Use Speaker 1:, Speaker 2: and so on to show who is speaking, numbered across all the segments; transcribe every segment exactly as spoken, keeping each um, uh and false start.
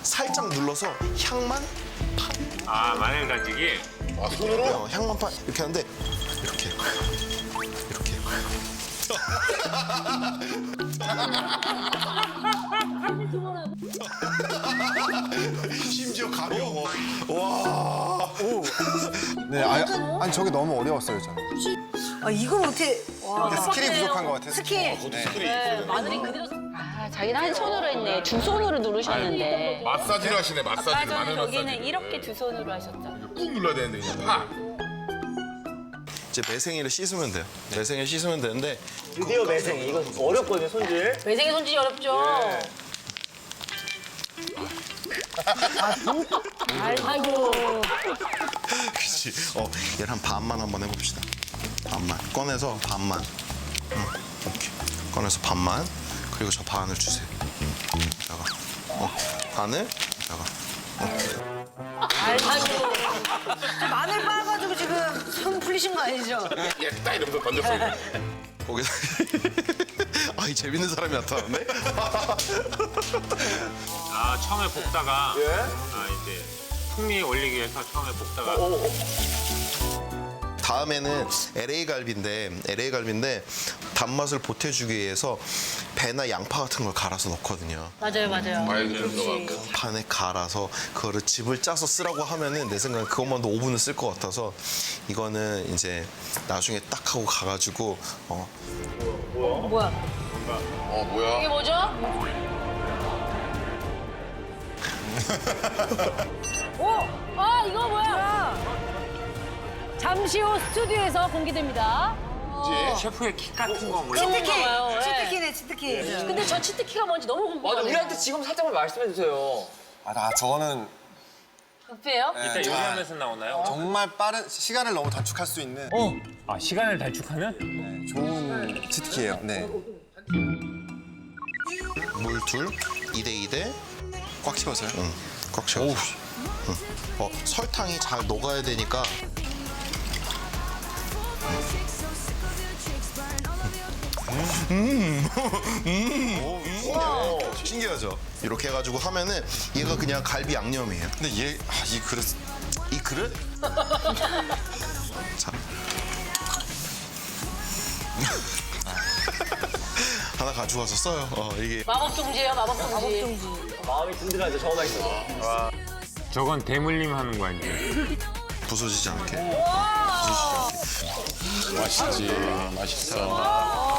Speaker 1: 살짝 눌러서 향만
Speaker 2: 아, 마늘 다지기?
Speaker 3: 아, 손으로?
Speaker 1: 어, 향만 파 이렇게 하는데 이렇게 이렇게 심지어 가벼워. 와.
Speaker 4: 네, 아니, 아니 저게 너무 어려웠어요 저는.
Speaker 5: 아, 이걸 어떻게. 와.
Speaker 4: 스킬이 부족한 것 같아요.
Speaker 5: 스킬.
Speaker 3: 스크린.
Speaker 6: 마늘이 그대로. 아, 자기는 한 손으로 했네. 두 손으로 누르셨는데.
Speaker 3: 마사지를 하시네, 마사지.
Speaker 6: 아까
Speaker 3: 마늘
Speaker 6: 전에 여기는
Speaker 3: 마사지.
Speaker 6: 이렇게 두 손으로 하셨잖아.
Speaker 3: 꾹 눌러야 되는데, 그냥 파.
Speaker 1: 이제 매생이를 씻으면 돼요. 매생이를 씻으면 되는데
Speaker 7: 드디어 매생이. 이거 어렵거든요, 손질.
Speaker 6: 매생이 손질이 어렵죠? 아이고.
Speaker 1: 그렇지. 어, 얘를 한 반만 한번 해봅시다. 반만 꺼내서 반만. 응, 오케이. 꺼내서 반만. 그리고 저 반을 주세요. 여기다가 어, 반을 여기다가.
Speaker 6: 아이고.
Speaker 5: 마늘 빻아가지고 지금 손 풀리신 거 아니죠?
Speaker 3: 예, 딱 이러면서 던졌어요.
Speaker 1: 거기다. 아, 이 재밌는 사람이 나타났네.
Speaker 2: 아, 처음에 볶다가.
Speaker 7: 예?
Speaker 2: 아, 이제 풍미 올리기 위해서 처음에 볶다가.
Speaker 1: 다음에는 엘에이 갈비인데 엘에이 갈비인데 단맛을 보태주기 위해서 배나 양파 같은 걸 갈아서 넣거든요.
Speaker 6: 맞아요, 맞아요.
Speaker 3: 과일 좀 들어가고.
Speaker 1: 판에 갈아서 그거를 즙을 짜서 쓰라고 하면은 내 생각엔 그것만도 오 분은 쓸 것 같아서 이거는 이제 나중에 딱 하고 가가지고 어
Speaker 6: 뭐야?
Speaker 3: 어, 뭐야?
Speaker 6: 이게 뭐죠? 오! 아, 이거 뭐야? 잠시 후 스튜디오에서 공개됩니다.
Speaker 2: 셰프의 킥 같은 거 몰라.
Speaker 5: 치트키.
Speaker 6: 봐요, 예.
Speaker 5: 치트키네, 치트키.
Speaker 6: 근데 저 치트키가 뭔지 너무
Speaker 7: 맞아,
Speaker 6: 궁금해요.
Speaker 7: 우리한테 지금 살짝만 말씀해 주세요.
Speaker 4: 아, 나 저거는
Speaker 6: 급해요?
Speaker 2: 이따 요리하면서 나오나요?
Speaker 4: 정말 빠른 시간을 너무 단축할 수 있는
Speaker 2: 아, 시간을 단축하면?
Speaker 4: 네, 좋은 치트키예요. 네.
Speaker 1: 물 둘, 이 대 이 대
Speaker 4: 꽉 채워서요?
Speaker 1: 응, 꽉 채워. 응. 어, 설탕이 잘 녹아야 되니까 음, 음, 음, 신기하죠? 이렇게 해가지고 하면은 얘가 그냥 갈비 양념이에요.
Speaker 4: 근데 얘, 아, 이 그릇
Speaker 1: 이 그릇? 자. 하나 가져와서 써요. 어, 이게
Speaker 6: 마법 종지예요, 마법 종지.
Speaker 7: 마음이 든든하죠, 저거만 있어도.
Speaker 2: 저건 대물림 하는 거 아니에요?
Speaker 1: 부서지지 않게.
Speaker 3: 맛있지, 맛있어.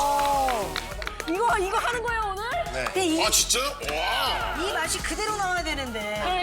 Speaker 5: 이거, 이거 하는 거예요, 오늘?
Speaker 4: 네.
Speaker 5: 근데 이,
Speaker 3: 아, 진짜요? 와.
Speaker 5: 이 맛이 그대로 나와야 되는데.